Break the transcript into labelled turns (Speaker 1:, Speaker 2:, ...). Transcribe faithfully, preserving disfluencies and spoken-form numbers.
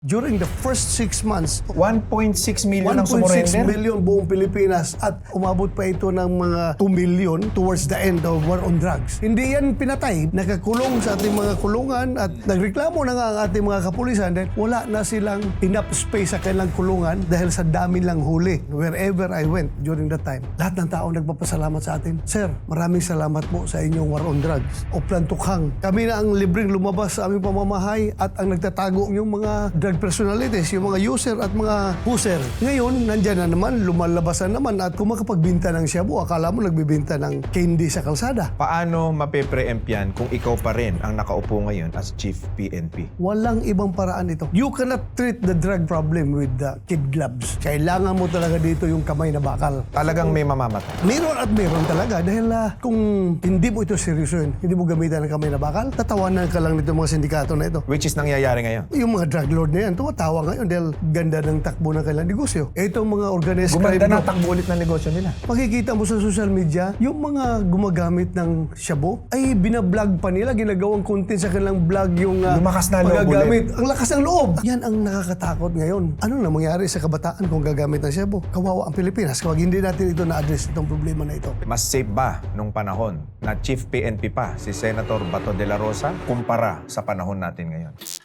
Speaker 1: During the first six months,
Speaker 2: one point six million ang
Speaker 1: one point six
Speaker 2: sumurrender.
Speaker 1: million buong Pilipinas at umabot pa ito ng mga two million towards the end of war on drugs. Hindi yan pinatay. Nakakulong sa ating mga kulungan at nagreklamo na nga ang ating mga kapulisan dahil wala na silang enough space sa kanilang kulungan dahil sa dami lang huli. Wherever I went during that time, lahat ng tao nagpapasalamat sa atin. Sir, maraming salamat po sa inyong war on drugs. Oplan Tukhang. Kami na ang libreng lumabas sa aming pamamahay at ang nagtatago yung mga drug personalities, yung mga user at mga user. Ngayon, nandyan na naman, lumalabas na naman at kung makapagbinta ng shabu, akala mo nagbibinta ng candy sa kalsada.
Speaker 2: Paano mape-preempt yan kung ikaw pa rin ang nakaupo ngayon as Chief P N P?
Speaker 1: Walang ibang paraan ito. You cannot treat the drug problem with the kid gloves. Kailangan mo talaga dito yung kamay na bakal.
Speaker 2: Talagang may mamamatay.
Speaker 1: Meron at meron talaga dahil uh, kung hindi mo ito seryosoin, hindi mo gamitan ng kamay na bakal, tatawanan ka lang nito mga sindikato na ito.
Speaker 2: Which is nangyayari ngayon.
Speaker 1: Yung mga drug lord na yan, tumatawa ngayon dahil ganda ng takbo ng kailang negosyo. Itong mga organized crime
Speaker 2: Gumanda na
Speaker 1: group,
Speaker 2: takbo ulit ng negosyo nila.
Speaker 1: makikita mo sa social media, yung mga gumagamit ng shabu, ay binablog pa nila, ginagawang content sa kanilang vlog yung uh,
Speaker 2: Lumakas na loob
Speaker 1: paggagamit. Ang lakas ng loob! Yan ang nakakatakot ngayon. Ano na mangyari sa kabataan kung gagamit ng shabu? Kawawa ang Pilipinas kapag hindi natin ito na-address itong problema na ito.
Speaker 2: Mas safe ba nung panahon na Chief P N P pa si Senator Bato de la Rosa kumpara sa panahon natin ngayon?